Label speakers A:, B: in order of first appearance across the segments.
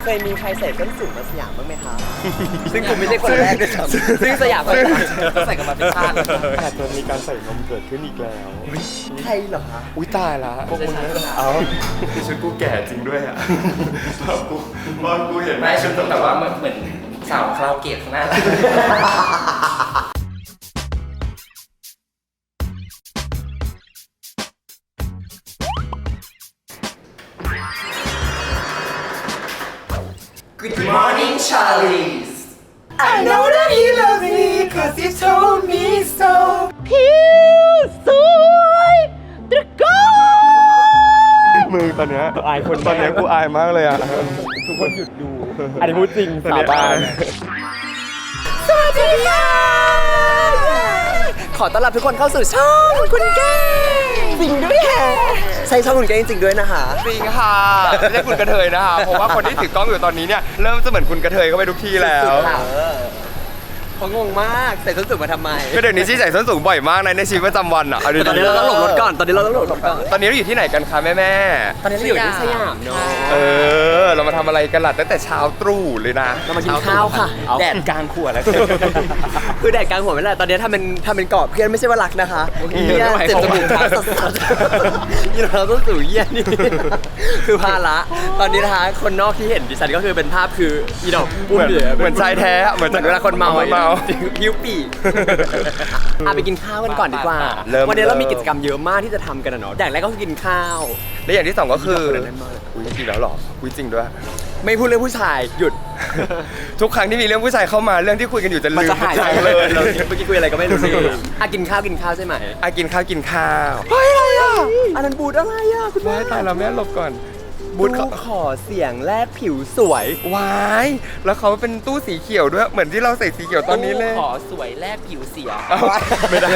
A: ยมีใครใส่ส้นสูงมาสยามบ้างไหมคะซึ่งกูไม่ใช่คนแรกด้วยซ้ำซึ่งสยามก็ใส่กันมาเป็นชาติ
B: อาจจะมีการใส่นมเกิดขึ้นอีกแล้ว
A: ใครเหรอคะ
B: อุ้ยตายละพวกมึงเอาที่ชุดกูแก่จริงด้วยอ่ะกูเห็น
C: ไม่ชุดต้องแบบว่าเหมือนสาวคาราโอเกะข้างหน้าGood morning, Charlies.
A: I know that he loves me cause he told me so
D: ผิวสวยตะโกน
B: มึงตอนเนี้ยอายคนตอนเนี้ยกูอายมากเลยอ่ะทุกคนหยุดดูอันนี้พูดจริงสาบาน
A: สวัสดีค่ะขอต้อนรับทุกคนเข้าสู่ช่องคุณแก้จริงด้วยแฮะใช่ช่องคุณแก้จริงๆด้วยนะคะ
B: จริงค่ะไม่ใช่คุณกระเทยนะคะเพราะว่าคนที่ถือกล้องอยู่ตอนนี้เนี่ยเริ่มจะเหมือนคุณกระเทยเข้าไปทุกที่แล้ว
A: เขางงมากใส่ส้นสูงมาทำไม
B: ก็เดี๋ยวนี้ที่ใส่ส้นสูงบ่อยมากในชีวิตประจำวันอ่ะ
A: ตอนนี้เราต้องหลบรถก่อนตอนนี้เรา
B: อยู่ที่ไหนกันคะแม่
A: ตอนนี้เราอยู่ที่สยามเนาะ
B: เรามาทำอะไรกันล่ะตั้งแต่เช้าตรู่เลยนะ
A: เรามากินข้าวค่ะแดดกลางขวดแล้วคือแดดกลางหัวไม่ได้ตอนนี้ทำเป็นกรอบเพื่อนไม่ใช่ว่ารักนะคะเนี่ยเจ็บจมูกทักสัสๆนี่เราต้องสู่เยี่ยนี่คือภาระตอนนี้นะคะคนนอกที่เห็นดิฉันก็คือเป็นภาพคืออีดอก
B: เหมือนชายแท้เหมือน
A: เวลาคนเมาหิวปีไปกินข้าวกันก่อนดีกว่าวันนี้เรามีกิจกรรมเยอะมากที่จะทำกันนะเนาะอย่างแรกก็คือกินข้าว
B: และอย่างที่สองก็คืออุ้ยจริงแล้วหรออุ้ยจริงด้วย
A: ไม่พูดเรื่องผู้ชายหยุด
B: ทุกครั้งที่มีเรื่องผู้ชายเข้ามาเรื่องที่คุยกันอยู่จะลืม
A: หายเลยเราเมื่อกี้คุยอะไรก็ไม่รู้สิกินข้าวใช่ไหม
B: กินข้าว
A: เฮ้ยอะไรอ่ะอันนั้นบูดอะไรอ่ะคุณแม่
B: ตายเราแม่หลบก่อน
A: บูธขอเสียงแลกผิวสวยว
B: ายแล้วเขาเป็นตู้สีเขียวด้วยเหมือนที่เราใส่สีเขียวตอนนี้เลย
C: ขอสวยแลกผิวเสีย
B: ไม่ได้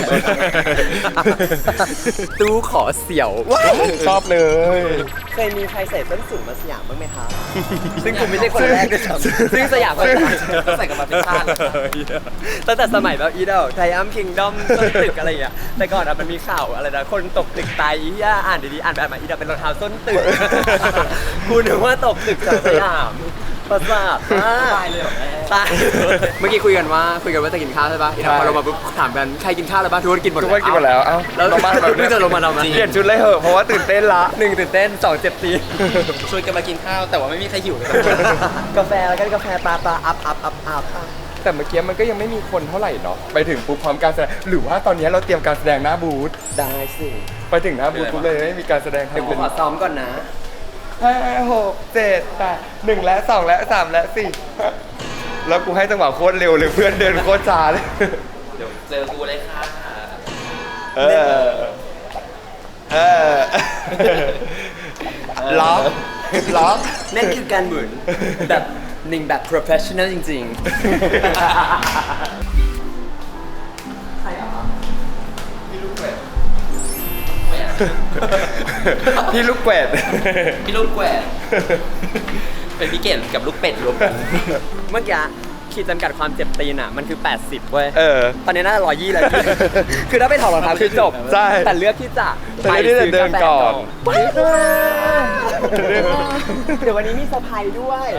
A: ตู้ขอเสียว
B: ชอบเลย
A: เคยมีใครใส่ส้นสูงมาสยามบ้างไหมคะซึ่งกูไม่ใช่คนแรกด้วยซ้ำซึ่งสยามก็ใส่กันมาเป็นชาติตั้งแต่สมัยแบบอีดอลไทอัมคิงดอมต้นตึกอะไรอย่างเงี้ยแต่ก่อนมันมีข่าวอะไรนะคนตกตึกตายอีย่าอ่านดีๆอ่านแบบมาอีดอลเป็นรองเท้าส้นตึกกูนึกว่าตกตึกจากสยามประสาท
C: ตายเลยเหรอ
A: ตายเมื่อกี้คุยกันว่าจะกินข้าวใช่ปะพอเรามาปุ๊บถามกันใครกินข้าวแล้วบ้างทุกคนกินหมด
B: แล้วเอ้า
A: แล้ว
B: บ้านแบบ
A: ไม่จะลงมาเรา
B: เปลี่ยนชุดเลยเหอะเพราะว่าตื่นเต้นละ
A: 1ตื่นเต้น2เจ็บตี
C: ชวนกันมากินข้าวแต่ว่าไม่มีใครหิวเลย
A: กาแฟแล้วกันกาแฟปลาอัพ
B: แต่เมื่อกี้มันก็ยังไม่มีคนเท่าไหร่เนาะไปถึงปุ๊บพร้อมการแสดงหรือว่าตอนนี้เราเตรียมการแสดงหน้าบูธ
A: ได้สิ
B: ไปถึงหน้าบูธปุ๊บเลยไม่มีการแสดง
A: เดี๋ยวขอซ้อมก่อนนะ
B: 5 6 7 8 1และ2และ3และ4แล้วกูให้จังหวะโคตรเร็วเลยเพื่อนเดินโคตรช้าเลย
C: เดี๋ยวเจอกูเลยค่ะ
B: ล็อก
A: นั่นคือการหมุนแบบหนึ่งแบบ professional จริงๆใครอ่ะ
C: พี่ลูกแกวด
B: พี่ลูกแกวด
C: เป็นพี่เกดกับลูกเป็ดรวมกัน
A: เมื่อกี้ขีดจำกัดความเจ็บตีนอ่ะมันคือ80เว้ยตอนนี้น่าจะ120แล้วคือถ้าไปถอดรองเท้าคือจบ
B: ใช่
A: แต่เลือกที่จะ
B: ไปเดินก่อน
A: เดี๋ยววันนี้มีเซอร์ไพรส์ด้วย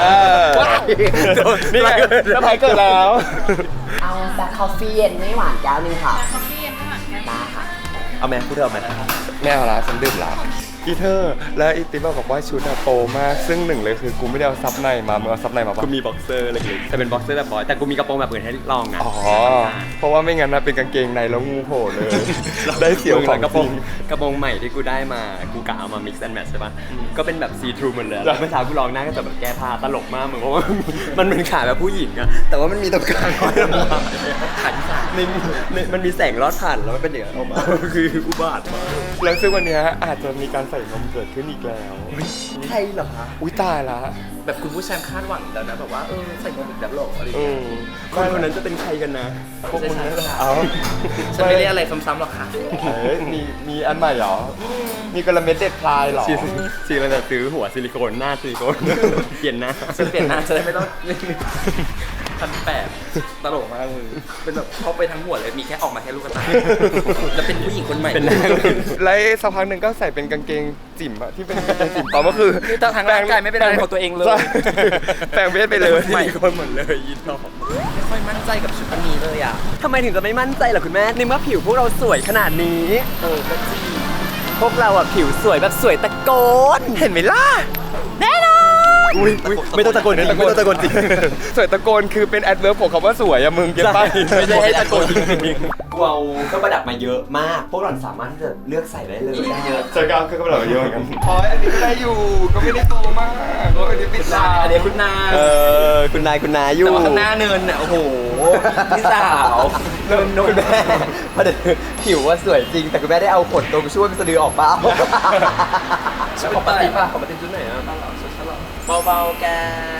B: นี่ไงเซอร์ไพรส์เกิดแล้ว
D: เอาแบล็คคอฟฟี่เย็นไม่หวานแก้วนึงค่ะ
E: คอฟฟี่เย็นไม่หวานแก้วได้
A: ค่ะเอาไหมพูดเถอะไหม
B: แม่เอาละฉันดื่มละอีเธอแล้วอีติ๊บบอกว่าชุดโตมากซึ่งหนึ่งเลยคือกูไม่ได้เอาซับในมามึงเอาซับในมาปะ
A: กูมีบ็อกเซอร์เล็กๆแต่เป็นบ็อกเซอร์แบบบอยแต่กูมีกระโปรงแบบอื่นให้ลองอ่ะ
B: เพราะว่าไม่งั้นนะเป็นกางเกงในแล้วงูโผล่เลยได้เสียวของ
A: กระโปรงใหม่ที่กูได้มากูกะเอามา mix and match ใช่ปะก็เป็นแบบซีทรูหมดเลยเมื่อเช้ากูลองหน้าก็จะแบบแก้ผ้าตลกมากเหมือนเพราะว่ามันเป็นขาแบบผู้หญิงอะแต่ว่ามันมีตรงกลางขันขามันมีแสงลอดผ่านแล้วมันเป็นอย่างนั้นออกมาคืออุบาทมาก
B: แล้วซึ่งวันนี้อาจจะมีการใส่นมเกิดขึ้นอีกแล้ว
A: ใครเหรอคะ
B: อุ้ยตายละ
C: แบบคุณผู้ชายคาดหวังแล้วนะแบบว่าใส่นมอีกแบบหลอกอะไรอย่างเงี้ย
A: คนนั้นจะเป็นใครกันนะ
B: พวกมึงนั่นแหละ
C: ฉันไม่เรียกอะไรซ้ำๆหรอกค่ะ
B: มีอันใหม่หรอมีกระเม็ดเด็ดพลายหรอ
A: ชีเราจะซื้อหัวซิลิโคนหน้าซิลิโคนเปลี่ยนหน้า
C: ฉันเปลี่ยนหน้าจะได้ไม่ต้อง 1,800ตลกมากมึงเป็นแบบเข้าไปทั้งหัวเลยมีแค่ออกมาแค่ลูกตาแล้วเป็นผู้หญิงคนใหม่
A: เป็นนาง
B: แล้วสักพักหนึ่งก็ใส่เป็นกางเกงจิ๋มอะที่เป็นกางเกงจิ๋มต่อก็คือ
C: ทางร่างกายไม่เป็นอะไรของตัวเองเลย
B: ใช่แปลงเพศไปเลย
C: ใหม่คนหมดเลยยินดีไม่ค่อยมั่นใจกับชุดอันนี้เลยอ่ะ
A: ทำไมถึงจะไม่มั่นใจล่ะคุณแม่ในเมื่อผิวพวกเราสวยขนาดนี้
C: ก็จริง
A: พวกเราอ่ะผิวสวยแบบสวยตะโกน
B: เห็นไหมล่ะ
D: แน่นอน
B: อุ้ยไม่ต้องตะโกนจริงไม่ต้องตะโกนจริงสวยตะโกนคือเป็นแอดเวิร์บของคำว่าสวยอะมึงเก็ตป่ะไม่ใช่ให้ตะโกนจริง
A: เราก็ประดับมาเยอะมาก พวกเราสามารถที่จะเลือกใส่ได้เลย
C: เยอะ
B: ๆเจอกันก็แบบเยอะเหมือนกันพออันนี้ก็ได้อยู่ก็ไม่ได้โตมากก็อันนี้ปิดตา
C: อันนี้คุณนา
A: คุณนายอยู่
C: แต่ว่าข้างหน้าเนินน่ะโอ้โหพี่สาว
A: เริ่มคุณแม่ประเด็นผิวว่าสวยจริง แต่คุณแม่ได้เอาขนตรงช่วยเป็นสะดือออกเปล่า
C: ปกติป่ะปกติชุดไหนอ่ะเบาๆแก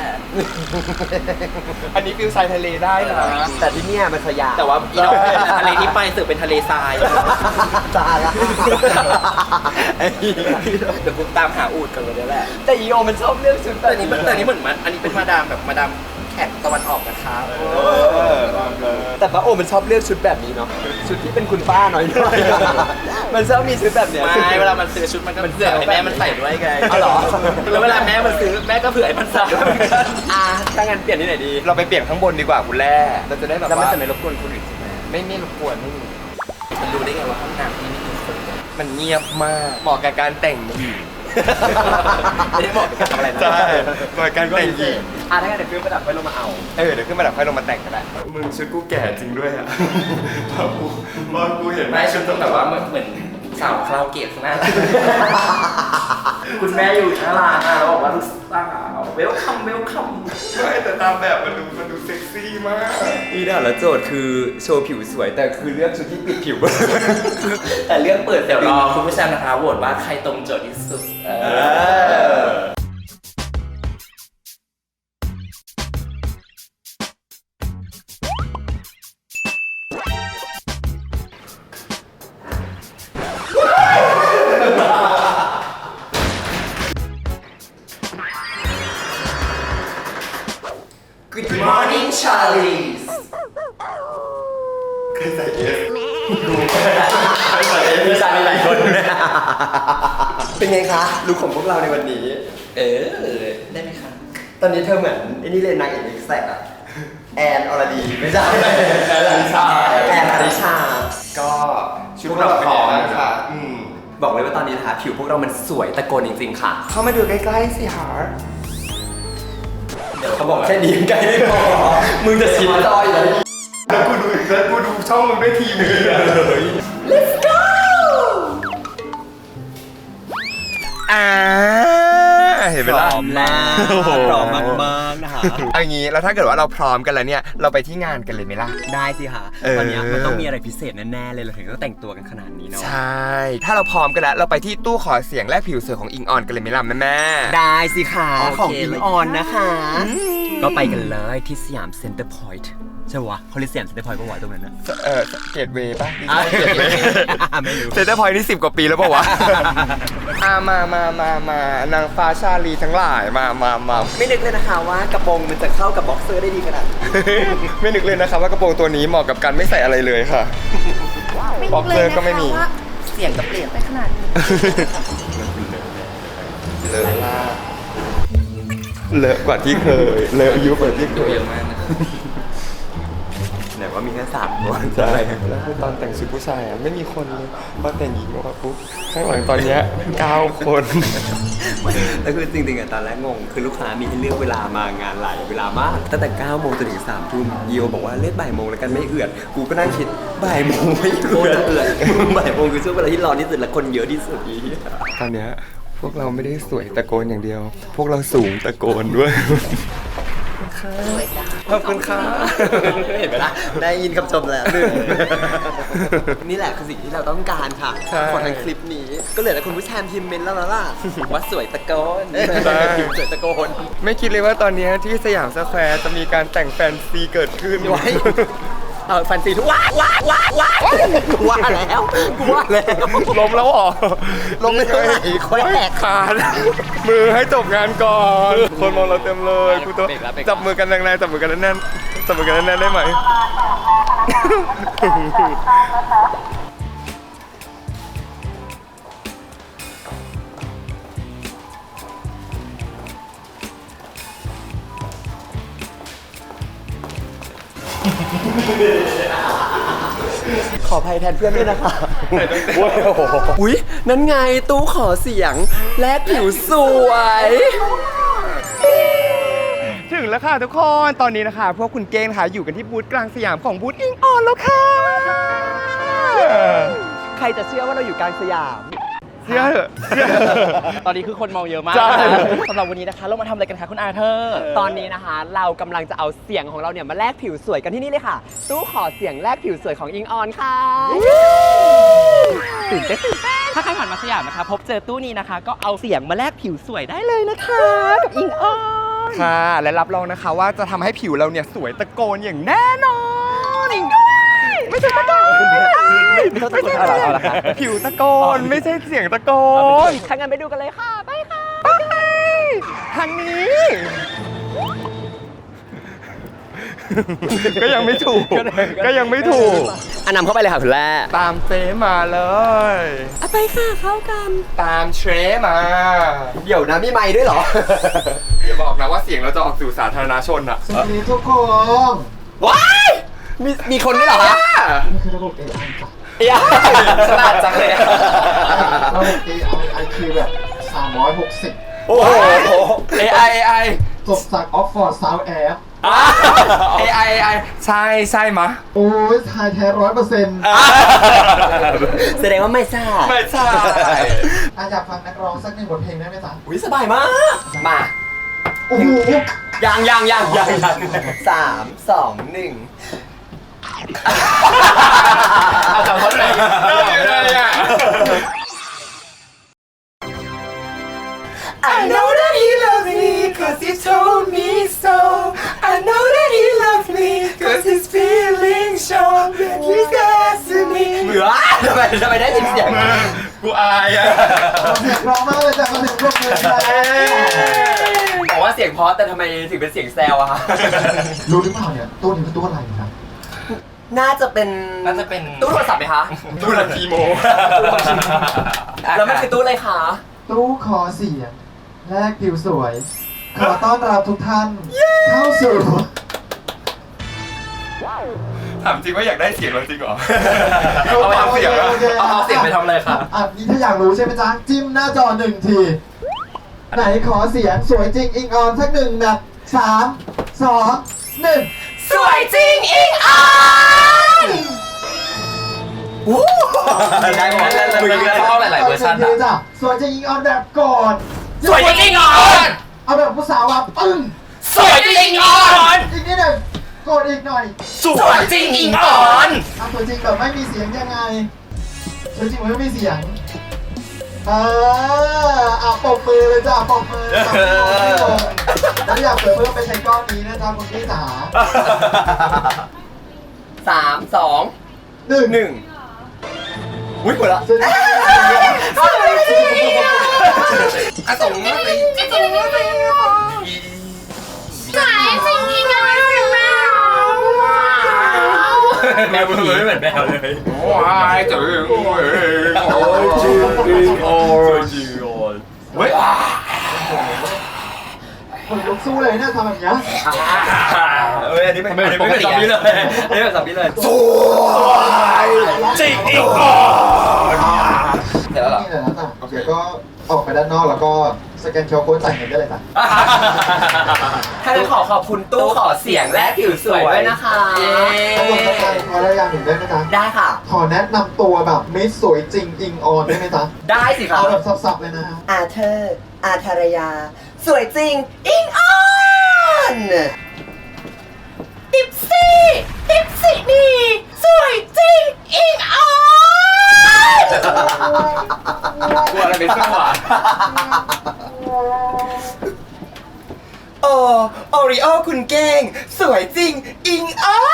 B: อันนี้ฟิลทรายทะเลได้นะ
A: แต่ที่เนี่ยมันสยาม
C: แต่ว่าอีดอกทะเลที่ไปสึกเป็นทะเลทราย
A: ตาละ
C: เดี๋ยวกูตามหาอูดกันเลยแหละ
A: แต่อีโอมันชอบเลือกชุดแบ
C: แต่
A: บ
C: อันนี้เหมือนมันอันนี้เป็นมาดามแบบมาดามแขกตะวันออกนะคะ
A: แต่ป้าโอมันชอบเลือกชุดแบบนี้เนาะชุดที่เป็นคุณป้าหน่อยๆมันชอบมีชุดแบบเนี้ย
C: ไม่เวลามันซื้อชุดมันก็เผื่อให้แม่มันใส่ด้วยไง
A: อ๋อเหรอ
C: แล้วเวลาแม่มันซื้อแม่ก็เผื่อให้มันใส่ด้วยเหมือนกัน
A: ถ้างั้นเปลี่ยนที่ไหนดี
B: เราไปเปลี่ยนข้างบนดีกว่าคุณแร่เราจะได้แบบ
A: แล้วมัน
B: ว่า
A: จะไม่รบกวนคนอื่นใช่ไหม
B: ไม่รบกวนไม่มี
C: มันรู้ได้ไงว่าห้องน้ำที่นี่มีคน
B: มันเงียบมากเหมาะกับการแต่งหญิง
C: ไม่ได้บอกกับทำอะไรนะ
B: ใช่เหมาะกับการแต่งหญิง
A: ถ้างั้นเดี๋ยวฟิลประดับไปลงมาเอา
B: เดี๋ยวขึ้นมาดับค่อยลงมาแต่งกันแหละมึงชุดกูแก่จริงด้วยอ่ะพอกูเห็น
C: ไม่ชุดต้องแบบว่าเหมือนสาวคาราโอเกะข้างหน้า คุณแม่อยู่ข้างล่างแล้วบอกว่าลูกสาวเวลคัม
B: ไม่แต่ตามแบบมันดูเซ็กซี่มาก
A: อีด่าแล้วโจทย์คือโชว์ผิวสวยแต่คือเลือกชุดที่ปิดผิว แต่เลือกเปิด
C: เดี๋ยวรอคุณผู้ชมนะคะโหวตว่าใครตรงโจทย์ที่สุด Good morning Charlies
B: เคยใส่เอส
A: มีชายหลายคนเป็นไงคะลูกของพวกเราในวันนี้
C: ได้ไหมคะ
A: ตอนนี้เธอเหมือนไอ้นี่เลยนางเอกเอ็กแซกอะแอนอรดีไม่ใช่แอนอริชา
B: ก็ชุดเราพร้อมค่ะ
A: บอกเลยว่าตอนนี้นะคะผิวพวกเรามันสวยตะโกนจริงๆค่ะ
B: เข้ามาดูใกล้ๆสิฮะ
A: เดี๋ยวเขาบอกแค่นี้ใกล้ไม่พอมึงจะชิดจอยเลย
B: แล้วกูดูช่องมึงด้วยทีนึง
A: Let's go
B: เห็นไหม
A: พ
B: ล่ะ
A: ร้อมแล้ว
B: โอ้โห
A: พร้อมมากๆนะคะ
B: เอางี้แล้วถ้าเกิดว่าเราพร้อมกันแล้วเนี่ยเราไปที่งานกันเลยไหมล่ะ
A: ได้สิค่ะ
B: เออ
A: วันนี้มันต้องมีอะไรพิเศษแน่ๆเลยเราถึงต้องแต่งตัวกันขนาดนี้เนาะ
B: ใช่ ถ้าเราพร้อมกันแล้วเราไปที่ตู้ขอเสียงแลกผิวสวยของอิงออนกันเลยไหมล่ะแม่
A: ได้สิค่ะ
C: โอเค
A: ของอิงออนนะคะ ก็ไปกันเลยที่สยามเซ็นเตอร์พอยต์ใช่วะเขาเรียกสยามเซ็นเตอร์พอยต์ปะวะตรงนั้นนะ
B: เกตเวย์ป่ะ
A: ไม่รู้
B: เซ็นเตอร์พอยต์นี่10 กว่าปีแล้วป่าวะ มานางฟ้าชาลีทั้งหลายมา
A: ไม่นึกเลยนะคะว่ากระโปรงมันจะเข้ากับบ็อกเซอร์ได้ดีขนาดนี้
B: ไม่นึกเลยนะครับว่ากระโปรงตัวนี้เหมาะกับการไม่ใส่อะไรเลยค่ะ บ็อกเซอร์ก็ไม่มี
C: เสียงก็เปลี่ยนไปขนาดนี้
B: เลอะมากเลอะกว่าที่เคย เลอะยุบกว่าที่เค
C: ตัวย เยอะมากนะ
A: ไหนว่ามีแค่3 คน
B: ใช่แล้วคือตอนแต่งชุดผู้ชายอ่ะไม่มีคนเลยพอแต่งหญิงออกมาปุ๊บข้างหลังตอนเนี้ย9 คน
A: แล้วคือจริงๆอะตอนแรกงงคือลูกค้ามีให้เลือกเวลามางานหลายเวลามากตั้งแต่9 โมงจนถึง3 ทุ่มเยียวบอกว่าเล่นบ่ายโมงแล้วกันไม่เอือดกูก็นั่งคิดบ่ายโมงไม่เอือดบ่ายโมงคือช่วงเวลาที่ร้อนที่สุดและคนเยอะที่สุดอี
B: ตอนเนี้ยพวกเราไม่ได้สวยตะโกนอย่างเดียว พวกเราสูงตะโกนด้วยขอบคุณค่ะ
A: เห็นไหมล่ะได้ยินคำชมแล้วนี่แหละคือสิ่งที่เราต้องการค่ะ
B: ใช่
A: ของทางคลิปนี้ก็เหลือแต่คุณผู้ชมพิมพ์เมนต์แล้วล่ะว่าสวยตะโกน
B: ใช่
A: สวยตะโกน
B: ไม่คิดเลยว่าตอนเนี้ยที่สยามสแควร์จะมีการแต่งแฟนซีเกิดขึ้น
A: ไว้ แฟนซีทุกว่าแล้วกูว่าแล้ว
B: ล้มแล้วเหรอ
A: ล้มไม่เท่าไหร่แขวก
B: ขาดมือให้จบงานก่อน คนมองเราเต็มเลยกูต้อง
A: เบรกแล้ว
B: จับมือกันแรงๆจับมือกันแน่นจับมือกันแน่นๆได้ไหม
A: ขออภัยแทนเพื่อนด้วยนะคะอุ้ยนั่นไงตู้ขอเสียงแลกผิวสวย
B: ถึงแล้วค่ะทุกคน ตอนนี้นะคะ พวกคุณเก้งค่ะอยู่กันที่บูธกลางสยามของบูธอิงออนแล้วค่ะ
A: ใครจะเชื่อว่าเราอยู่กลางสยาม
B: เชื่อเถอะเชื่อเถอะ
D: ตอนนี้คือคนเมาเยอะมาก
B: ใช่
D: สำหรับวันนี้นะคะ เรามาทำอะไรกันคะคุณอาเธอร์
A: ตอนนี้นะคะเรากำลังจะเอาเสียงของเราเนี่ยมาแลกผิวสวยกันที่นี่เลยค่ะ ตู้ขอเสียงแลกผิวสวยของอิงออนค่ะตื่นเต้น
D: ถ้าใครผ่านมาสยามนะคะ พบเจอตู้นี้นะคะ ก็เอาเสียงมาแลกผิวสวยได้เลยนะคะ กับอิงออน
B: ค่ะ และรับรองนะคะว่าจะทำให้ผิวเราเนี่ยสวยตะโกนอย่างแน่นอนไม่ใช่ตะโกน
A: ไม่ต้องตะโกนเอาละค่ะ
B: ผิวตะโกนไม่ใช่เสียงตะโกน
A: ถ้างั้นไปดูกันเลยค่ะไปค่ะ
B: ไปทางนี้ ก็ยังไม่ถูก ก็ยังไม่ถูก
A: อันนำเข้าไปเลยค่ะคุณแร่
B: ตามเฟมาเลย
A: ไปค่ะเข้ากัน
B: ตามเทรมา
A: เดี๋ยวนะมีไมค์ด้วยเหรอ
B: อย่าบอกนะว่าเสียงเราจะออกสู่สาธารณชนอะ
E: สวัสดีทุกคน
A: ว้ายมีคนด้วยเหรอคะ
E: นี่คือระบบ AI จ้ะ
A: ฉลาดจังเลยอะ
E: ระบบ AI IQ แบบ360
A: โอ้โห
B: AI
E: จบจาก Oxford Sound Air
B: AI ใช่มะ
E: โอ้ยทายแท้100%
A: แสดงว่าไม่ทราบ
B: ไม่ใช่
E: อยากฟังนักร้องสักหนึ่งบทเพลงได้ไหมจ๊ะ
A: อุ้ยสบายมาก มา
E: โอ้โห
A: ยัง3 2 1
B: เอาจากคนไหนเลยอ่ะ
A: I know that he loves me cause he told me so I know that he loves me cause his feelings show that he cares to me เหมือทำไมได้ยินเสียง
B: กูอายอ่ะ
E: เสียงร้องมากเลยจ้ะมาถึงพวกเธอจ้ะ
A: บอกว่าเสียงเพราะแต่ทำไมถึงเป็นเสียงแซวอะคะ
E: รู้หรือเปล่าเนี่ยตู้นี้คือตู้อะไรครับ
A: น่าจะเป็น ตู้โทรศัพท์ไหมคะ
B: ตู้ละทีโม
A: แล้วมันคือตู้อะไรคะ
E: ตู้ขอเสียงแลกผิวสวย ขอต้อนรับทุกท่าน เข้าสู่
B: ถามจริงว่าอยากได้เสียงเราจริงเหรอ เอาความเสียงอะ
C: เอาเสียงไปทำอะไรคะ
E: นี่ถ้าอยากรู้ใช่ไหมจ๊ะ จิ้มหน้าจอ1 ที ไหนขอเสียงสวยจริงอิงออนสักหนึ่งแบบ3 2 1
A: สวยจริงอิงออน
C: ได้หมดแล้วมีเข้าหลายๆเวอร์ชัน
E: ดี
C: อะ
E: จ้ะสวยจริงอิงออนแบบกอด
A: สวยจริงอิงออน
E: เอาแบบผู้สาวว่าปึ้ง
A: สวยจริงอิงออน
E: อีกนิดหนึ่งกดอีกหน่อย
A: สวยจริงอิงออน
E: สวยจริงแบบไม่มีเสียงยังไงสวยจริงแบบไม่มีเสียงปรบมือเลยจ้ะปรบมือแล้วอยากเปิดเพิ่มไปใช้ก้อนนี้นะจ๊ะคุณพี่จ๋า
A: 3 2
E: 1
A: อุ้ยหมดละ
E: สวยจริง
A: สวยจริงอิงออน
B: อ่ะส่งมาสิ
C: แมวผีไม่เหมือนแมวเลย
B: ว้ายจึงโอ้ยจึงโอ้ยจึงโอ้ยเฮ้ย
E: คนลุกสู้เลยเนี่ยทำแบบนี้
A: อันนี้ไม่เป็นซอมบี้เลยอันนี้เป็นซอมบี้เลย
B: สวยจริงอีกอ่อน
A: เสร็จแล้วเหรอ
E: นี่เลยนะจ๊ะโอเคก็ออกไปด้านนอกแล้วก็สแกนเคอร์โค้ดจ่ายเงินได้เลยจ้ะ
A: ถ้างั้นขอบคุณตู้ขอเสียงและผิวสวยด้วยนะคะ
E: ถ้าลงสแกนขอได้อย่างหนึ่งได้ไหมจ๊ะ
A: ได้ค่ะ
E: ขอแนะนำตัวแบบมิสสวยจริงอิงออนได้ไหมจ๊ะ
A: ได้สิครับ
E: เอาแบบสับๆเลยนะฮะ
A: อาเธอร์อาธารยา สวยจริง อิงออน ติปซี่นี่สวยจริง อิงออน
B: กลัวอะไรไปสู้อ่ะ
A: โอริโอคุณเก่ง สวยจริง อิงออน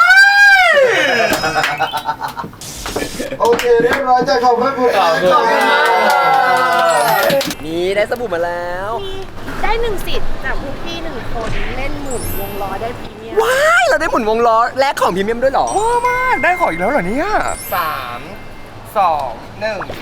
E: โอเคเรียบร้อยจ้ะขอบคุณคุณ
A: นี่ได้สบู่มาแล้ว
F: ได้1 สิทธิ์จากพวกพี่1 คนเล่นหมุนวงล้อได้พรีเมียม
A: ว้ายเราได้หมุนวงล้อแลกของพรีเมียมด้วยเหรอ
B: ว้าวมากได้ของอีกแล้วเหรอเนี่ย3 2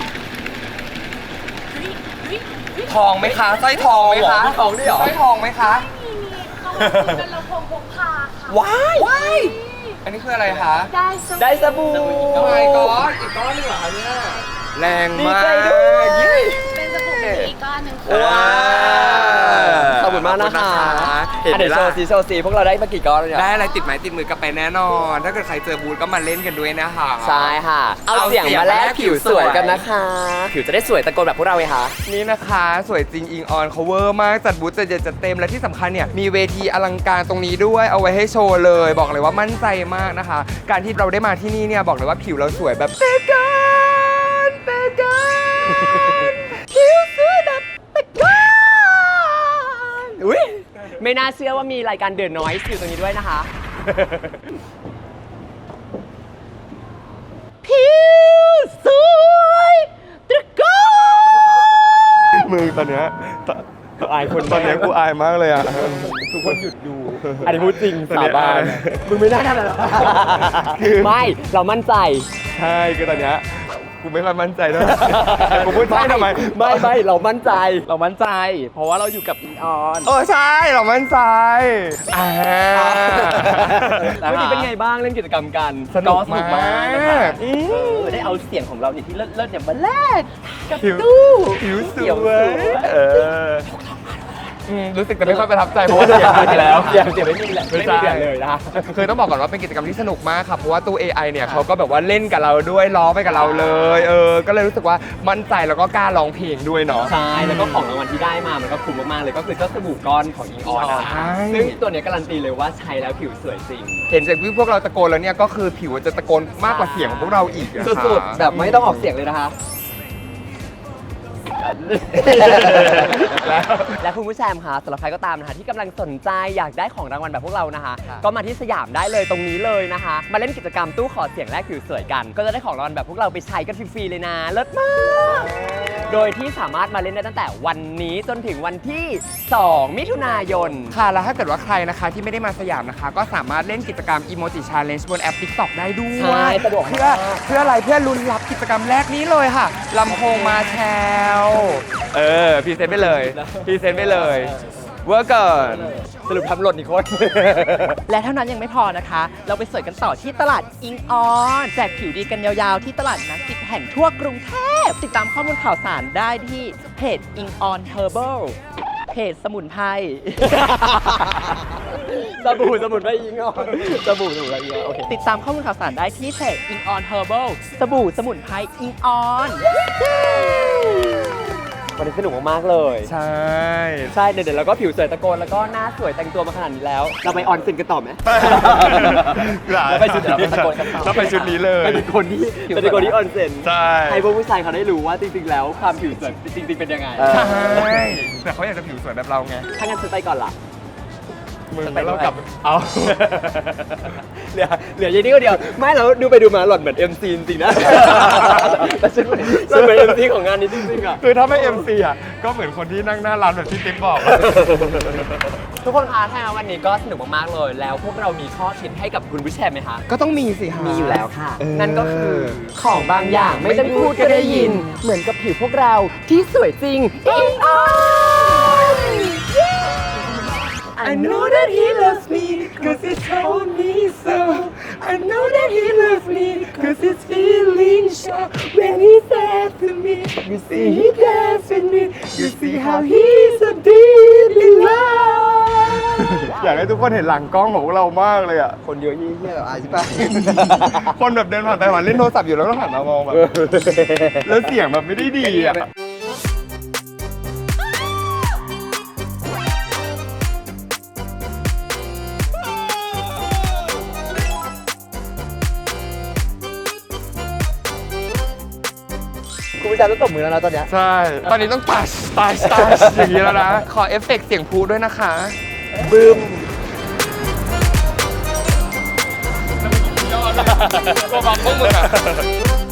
B: 1ทองไหมคะสร้อยทองไหมคะ
A: ทองด้วยเหรอ
B: สร้อยทองไหมคะ
F: เขาเป็นลำโพงพกพาค่ะ
A: ว้าย
B: อันนี้คืออะไรคะ
A: ได้สบู่
B: โอ้ my god อีกก้อนหนึงเหรอคะเนี่ยแรง
A: ดี
B: มาก
A: ใจด้วย
F: เป็นสบู่อีกก้อนหนึ่ง
A: ว้าวขอบคุณมากนะคะเห็นไหมล่ะโชว์สีพวกเราได้มากี่ก้อนแล้วเนี่ย
B: ได้อะไรติดไม้ติดมือกลับไปแน่นอน ถ้าเกิดใครเจอบูธก็มาเล่นกันด้วยนะคะ
A: ใช่ค่ะ เอาเสียงมาแลกผิวสวยกันนะคะ ผิวจะได้สวยตะโกนแบบพวกเราไงคะ
B: นี่นะคะสวยจริงอิงออน cover มากจัดบูธจัดใหญ่จัดเต็มและที่สำคัญเนี่ยมีเวทีอลังการตรงนี้ด้วยเอาไว้ให้โชว์เลยบอกเลยว่ามั่นใจมากนะคะ การที่เราได้มาที่นี่เนี่ยบอกเลยว่าผิวเราสวยแบบเตกัน
A: ผิวสวยแบบตะโกนอุ้ยไม่น่าเชื่อว่ามีรายการเดินน้อยอยู่ตรงนี้ด้วยนะคะ
D: ผิวสวยตะโกน
B: มึงตอนเนี้ย
A: อายคน
B: ตอนเนี้ยกูอายมากเลยอ่ะ
A: ทุกคนหยุดดู อันนี้พูดจริง
B: ตอนนี้
A: สาบาน
B: อาย
A: มึงไม่น่าทำอะไรหรอกไม่เรามั่นใจ
B: ใช่คือตอนเนี้ยกูไม่ค่อยมั่นใจด้วยกูพูดใช่ทำไม
A: ไม่เรามั่นใจ เพราะว่าเราอยู่กับอิงออน
B: ใช่เรามั่นใจ
A: เมื่อกี้เป็นไงบ้างเล่นกิจกรรมกัน
B: สนุกมาก
A: นะคะได้เอาเสียงของเราเนี่ยที่เลิศๆเนี่ยมาแลกกับ
B: ผิว
A: ตู้
B: ผิวส
A: เขียว
B: วย
A: สวย
B: รู้สึกจะไม่ค่อยประทับใจเพราะว่าเสียงไม่มีแล้ว
A: เสียงไม่มีแหละไม่มีเสียงเลยนะ
B: คือต้องบอกก่อนว่าเป็นกิจกรรมที่สนุกมากครับเพราะว่าตู้ AI เนี่ยเขาก็แบบว่าเล่นกับเราด้วยล้อไปกับเราเลยก็เลยรู้สึกว่ามั่นใจแล้วก็กล้าร้องเพลงด้วยเนาะ
A: ใช่แล้วก็ของรางวัลที่ได้มามันก็คุ้มมากๆเลยก็คือเจ้าสบู่ก้อนของอิงออนนะ
B: ใช่
A: ซึ่งตัวเนี้ยการันตีเลยว่าใช้แล้วผิวสวยจริง
B: เห็นจากที่พวกเราตะโกนแล้วเนี่ยก็คือผิวจะตะโกนมากกว่าเสียงของพวกเราอีกอะค่ะ
A: สุดๆแบบไม่ต้องออกเสียงเลยนะคะ และคุณผู้ชมคะสำหรับใครก็ตามนะคะที่กำลังสนใจอยากได้ของรางวัลแบบพวกเรานะคะ ก็มาที่สยามได้เลยตรงนี้เลยนะคะ มาเล่นกิจกรรมตู้ขอเสียงแลกผิวสวยกัน ก็จะได้ของรางวัลแบบพวกเราไปใช้กันฟรีๆเลยนะเลิศมากโดยที่สามารถมาเล่นได้ตั้งแต่วันนี้จนถึงวันที่ 2 มิถุนายน
B: ค่ะแล้วถ้าเกิดว่าใครนะคะที่ไม่ได้มาสยามนะคะ ก็สามารถเล่นกิจกรรม Emoji Challenge บนแอป TikTok ได้ด้ว
A: ใช่
B: ย
A: สะดวกมาก
B: เพื่ออะไรเพื่อลุ้นรับกิจกรรมแรกนี้เลยค่ะลำโพงมาแชลพรีเซนต์ไปเลยพรีเซนต์ไปเลยเวอร์เกิน
A: สรุปทำหล่นอีกคน
D: และเท่านั้นยังไม่พอนะคะ เราไปสวยกันต่อที่ตลาดอิงออน แจกผิวดีกันยาวๆที่ตลาดนัด10 แห่งทั่วกรุงเทพ ติดตามข้อมูลข่าวสารได้ที่เพจอิงออนเฮอร์เบิลเพจสมุนไพร
A: สบู่สมุนไพรอิงออนสบู่สมุนไพรอิงออนโอเค
D: ติดตามข้อมูลข่าวสารได้ที่เพจอิงออนเฮอร์เบิลสบู่สมุนไพรอิงออน
A: วันนี้สนุกมากๆเลย
B: ใช่
A: ใช่เดี๋ยวเราก็ผิวสวยตะโกนแล้วก็หน้าสวยแต่งตัวมาขนาดนี้แล้ว เราไปออนเซ็นกันต่อไหม เราไปชุดนี้ตะโกนกันต่อ
B: เราไปชุดนี้เลย
A: เป็นคนที่เป็นคนที่ออนเซ็น
B: ใช่
A: ให้พวกผู้ชายเขาได้รู้ว่าจริงๆแล้วความผิวสวยจริงๆเป็นยังไง
B: ใช่แต่เขาอยากจะผิวสวยแบบเราไง
A: ถ้างั้นฉันไปก่อนล่ะ
B: มึงแล้วเรากลับเอา
A: เหลือเยนี่ก็เดียวไม่เราดูไปดูมาหล่อนเหมือน MC จริงๆนะแต่ฉันเหมือน MC ของงานนี้จริงๆอ่ะ
B: คือถ้าไม่ MC อ่ะก็เหมือนคนที่นั่งหน้าร้านแบบที่ติ๊บบอก
A: ทุกคนคะถ้าวันนี้ก็สนุกมากๆเลย แล้วพวกเรามีข้อคิดให้กับคุณผู้ชมไหมคะ
B: ก็ต้องมีสิฮะ
A: มีอยู่แล้วค่ะ นั่นก็คือของบางอย่างไม่ต้องพูดก็ได้ยิน เหมือนกับผิวพวกเราที่สวยจริงอิงออน
B: I know that he loves me cause he told me so I know that he loves me cause his feelings show when he said to me You see he dance with me You see how he's so deep in love อยากให้ทุกคนเห็นหลังกล้องของพวกเรามากเลยอ่ะ
A: คนเยอะยี่เหี้ยแบบอายใช่ปะ
B: คนแบบเดินผ่านไปผ่านเล่นโทรศัพท์อยู่แล้วก็หันมามองแบบแล้วเสียงแบบไม่ได้ดีอ่ะ
A: คุณผู้ชมต้องตบมือแล้วนะตอนเนี้ย
B: ใช่ ตอนนี้ต้องตัชอย่างนี้แล้วนะ ขอเอฟเฟกต์เสียงพลุด้วยนะคะบึ้มตัวบังพวกมึงอะ